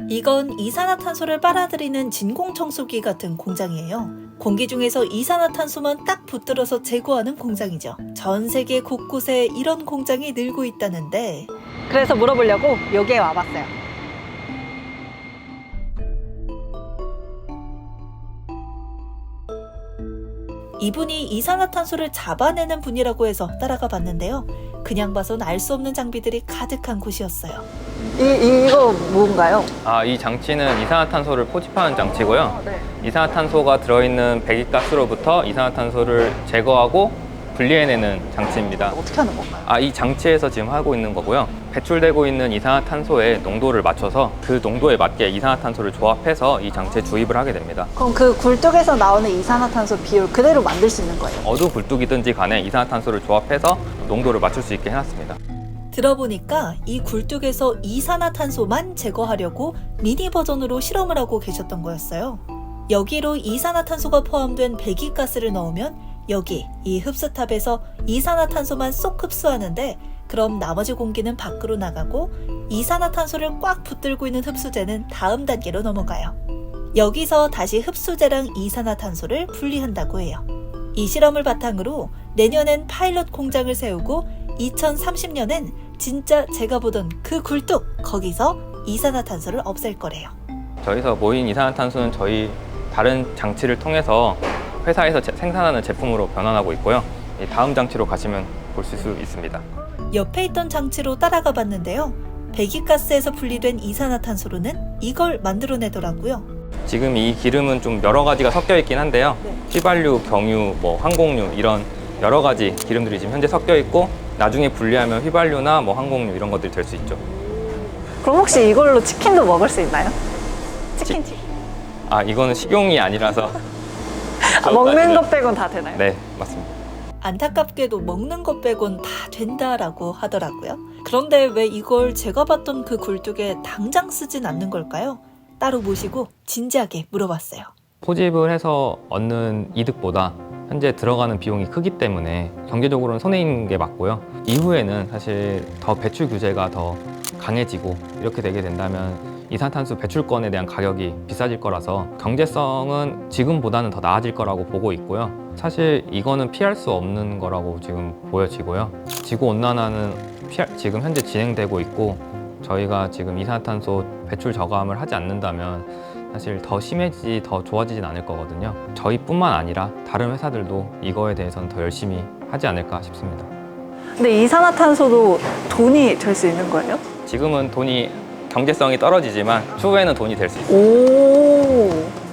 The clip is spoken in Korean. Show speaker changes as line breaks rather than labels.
이건 이산화탄소를 빨아들이는 진공청소기 같은 공장이에요. 공기 중에서 이산화탄소만 딱 붙들어서 제거하는 공장이죠. 전 세계 곳곳에 이런 공장이 늘고 있다는데
그래서 물어보려고 여기에 와봤어요.
이분이 이산화탄소를 잡아내는 분이라고 해서 따라가 봤는데요. 그냥 봐선 알 수 없는 장비들이 가득한 곳이었어요.
이거 뭔가요?
이 장치는 이산화탄소를 포집하는 장치고요.
네.
이산화탄소가 들어있는 배기가스로부터 이산화탄소를 제거하고 분리해내는 장치입니다.
어떻게 하는 건가요?
이 장치에서 지금 하고 있는 거고요. 배출되고 있는 이산화탄소의 농도를 맞춰서 그 농도에 맞게 이산화탄소를 조합해서 이 장치에 주입을 하게 됩니다.
그럼 그 굴뚝에서 나오는 이산화탄소 비율 그대로 만들 수 있는 거예요?
어느 굴뚝이든지 간에 이산화탄소를 조합해서 농도를 맞출 수 있게 해놨습니다.
들어보니까 이 굴뚝에서 이산화탄소만 제거하려고 미니 버전으로 실험을 하고 계셨던 거였어요. 여기로 이산화탄소가 포함된 배기가스를 넣으면 여기 이 흡수탑에서 이산화탄소만 쏙 흡수하는데 그럼 나머지 공기는 밖으로 나가고 이산화탄소를 꽉 붙들고 있는 흡수제는 다음 단계로 넘어가요. 여기서 다시 흡수제랑 이산화탄소를 분리한다고 해요. 이 실험을 바탕으로 내년엔 파일럿 공장을 세우고 2030년엔 진짜 제가 보던 그 굴뚝 거기서 이산화탄소를 없앨 거래요.
저희서 모인 이산화탄소는 저희 다른 장치를 통해서 회사에서 생산하는 제품으로 변환하고 있고요. 다음 장치로 가시면 보실 수 있습니다.
옆에 있던 장치로 따라가 봤는데요. 배기가스에서 분리된 이산화탄소로는 이걸 만들어내더라고요.
지금 이 기름은 좀 여러 가지가 섞여 있긴 한데요. 휘발유, 경유, 항공유 이런 여러 가지 기름들이 지금 현재 섞여 있고 나중에 분리하면 휘발유나 항공유 이런 것들이 될 수 있죠.
그럼 혹시 이걸로 치킨도 먹을 수 있나요? 치킨.
이거는 식용이 아니라서
먹는 것 빼곤 다 되나요?
네, 맞습니다.
안타깝게도 먹는 것 빼곤 다 된다라고 하더라고요. 그런데 왜 이걸 제가 봤던 그 굴뚝에 당장 쓰진 않는 걸까요? 따로 모시고 진지하게 물어봤어요.
포집을 해서 얻는 이득보다 현재 들어가는 비용이 크기 때문에 경제적으로는 손해인 게 맞고요. 이후에는 사실 더 배출 규제가 더 강해지고 이렇게 되게 된다면 이산탄소 배출권에 대한 가격이 비싸질 거라서 경제성은 지금보다는 더 나아질 거라고 보고 있고요. 사실 이거는 피할 수 없는 거라고 지금 보여지고요. 지구온난화는 지금 현재 진행되고 있고 저희가 지금 이산탄소 배출 저감을 하지 않는다면 사실 더 심해지지 더 좋아지진 않을 거거든요. 저희뿐만 아니라 다른 회사들도 이거에 대해서는 더 열심히 하지 않을까 싶습니다.
근데 이산화탄소도 돈이 될 수 있는 거예요?
지금은 경제성이 떨어지지만 추후에는 돈이 될 수 있습니다.
오.